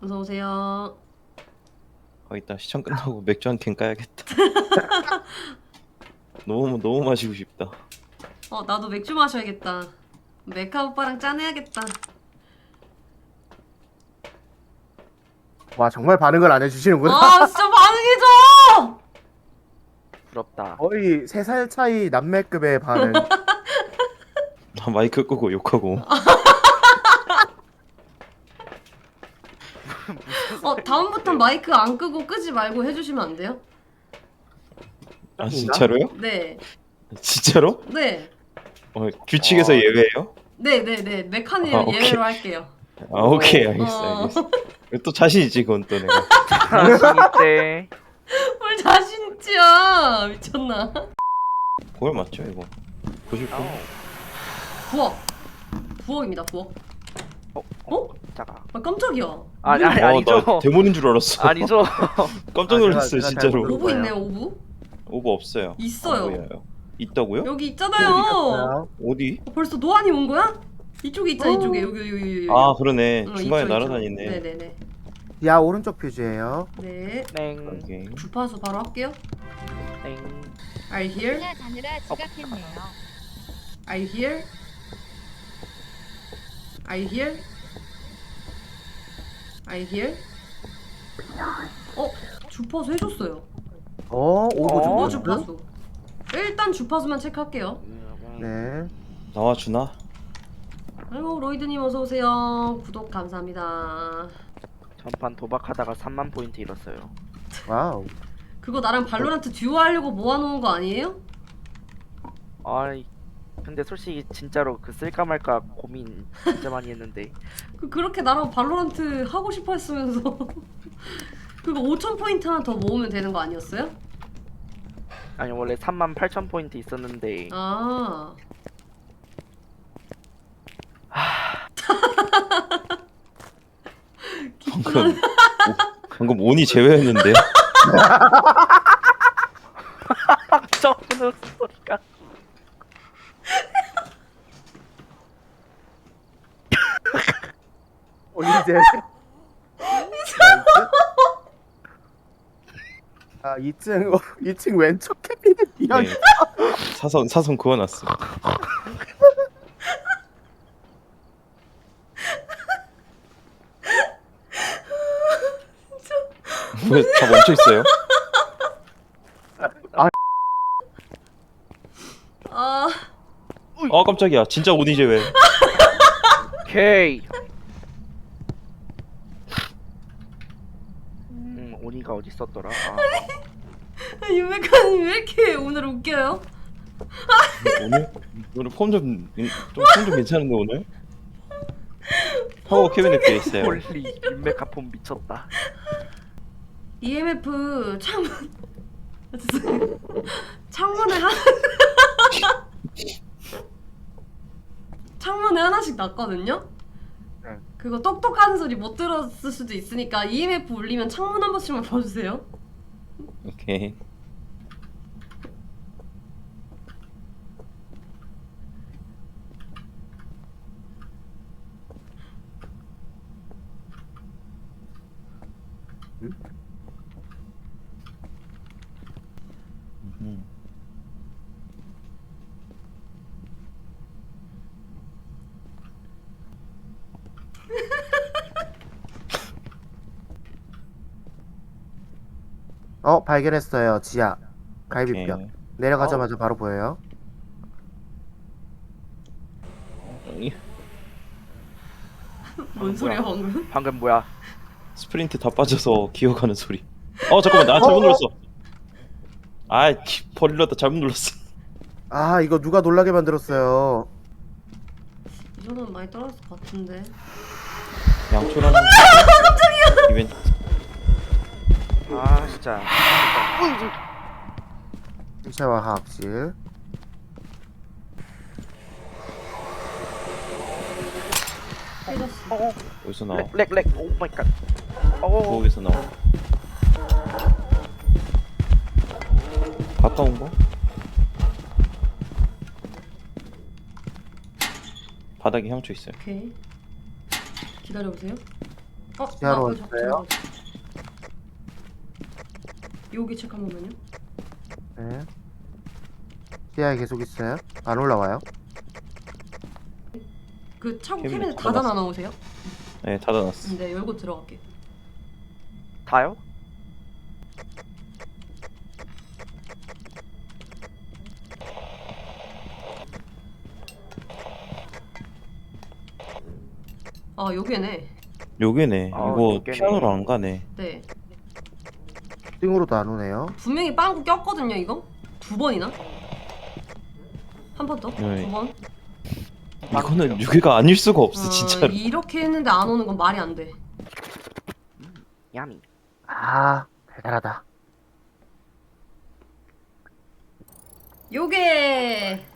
어서 오세요. 이따 시청 끝나고 맥주 한 캔 까야겠다. 너무 마시고 싶다. 나도 맥주 마셔야겠다. 메카 오빠랑 짠해야겠다. 와 정말 반응을 안 해주시는구나. 아, 진짜 반응해줘! 부럽다. 거의 3살 차이 남매급의 반응. 나 마이크 끄고 욕하고. 다음부턴 마이크 안 끄고 끄지 말고 해주시면 안 돼요? 아 진짜로요? 네. 진짜로? 네. 규칙에서 예외예요? 네네네. 메카님 오케이. 예외로 할게요. 아 오케이 알겠어. 또 자신 있지 그건 또 내가. 자신 있대. 뭘 자신 있지야. 미쳤나? 그걸 맞죠 이거. 보실 거? 부엌. 부엌입니다, 부엌. 어? 자가. 아, 깜짝이야. 아니 아니죠. 나 데모는 줄 알았어. 아니죠. 깜짝 놀랐어요 제가 진짜로. 잘못 오브 있네요, 오브. 오버 없어요. 있어요. 안 보여요. 있다고요? 여기 있잖아요. 어디? 벌써 노안이 온 거야? 이쪽에 있잖아, 이쪽에. 여기. 아 그러네. 어, 중간에 이쪽, 날아다니네. 이쪽. 네네네. 야 오른쪽 퓨즈예요. 네. 땡. 오케이. 주파수 바로 할게요. 땡. Are you here? 하나 자느라 지각했네요. Are you here? Are you here? Are you here? 주파수 해줬어요. 오브 어, 주파수. 일단 주파수만 체크할게요. 네. 나와 주나? 아이고 로이드님 어서 오세요. 구독 감사합니다. 전판 도박하다가 3만 포인트 잃었어요. 와우. 그거 나랑 발로란트 듀오 하려고 모아놓은 거 아니에요? 아이 근데 솔직히 진짜로 그 쓸까 말까 고민 진짜 많이 했는데 그렇게 나랑 발로란트 하고 싶어 했으면서 그거 5,000포인트 하나 더 모으면 되는 거 아니었어요? 아니 원래 3만 8천 포인트 있었는데 아. 방금 온이 제외했는데. 저는 소리가 올리제. 아 2층 왼쪽 캐비닛 비어. 네. 사선 그어놨어. 왜 다 멈춰 있어요? 아. 아 깜짝이야. 진짜 온이 제외. 오케이. 오니가 어디 있었더라? 윤백하님 왜 이렇게 오늘 웃겨요? 오늘 폼좀 괜찮은데 오늘? 파워 캐비넷 돼 있어요. 홀리 윤메카폰 미쳤다. EMF 창문에 창문에 하나씩 났거든요? 네. 그거 똑똑하는 소리 못 들었을 수도 있으니까 EMF 울리면 창문 한 번씩만 봐주세요. 오케이. 발견했어요. 지하 갈비뼈. 오케이. 내려가자마자 바로 보여요. 뭔 소리야 방금? 방금 뭐야? 스프린트 다 빠져서 기어가는 소리. 잠깐만 나 잘못 눌렀어. 버리려다 잘못 눌렀어. 아 이거 누가 놀라게 만들었어요. 이 정도면 많이 떨어졌을 것 같은데. 양초라는 이벤트. 아 진짜. 신체와 화학실. 깨졌어. 어디서 나와? 렉. 오 마이 갓. 부엌에서 나와. 가까운 거? 바닥에 향초 있어요. 오케이. 기다려보세요. 지하로 저 왔어요? 들어가자. 여기 체크 한 번만요. 네. 지하에 계속 있어요? 안 올라와요? 그 차고 캐비넷 캐비넷 닫아놨어. 닫아놔 놓으세요. 네, 닫아놨어. 네, 열고 들어갈게. 다요? 여기네. 요게네. 아, 이거 요게네. 피아노로 안 가네. 네. 층으로도 안 오네요. 분명히 빵꾸 꼈거든요, 이거? 2번이나? 한 번 더? 네. 2번? 이거는 유괴가 아닐 수가 없어, 진짜로. 이렇게 했는데 안 오는 건 말이 안 돼. 야미. 아, 달달하다. 요게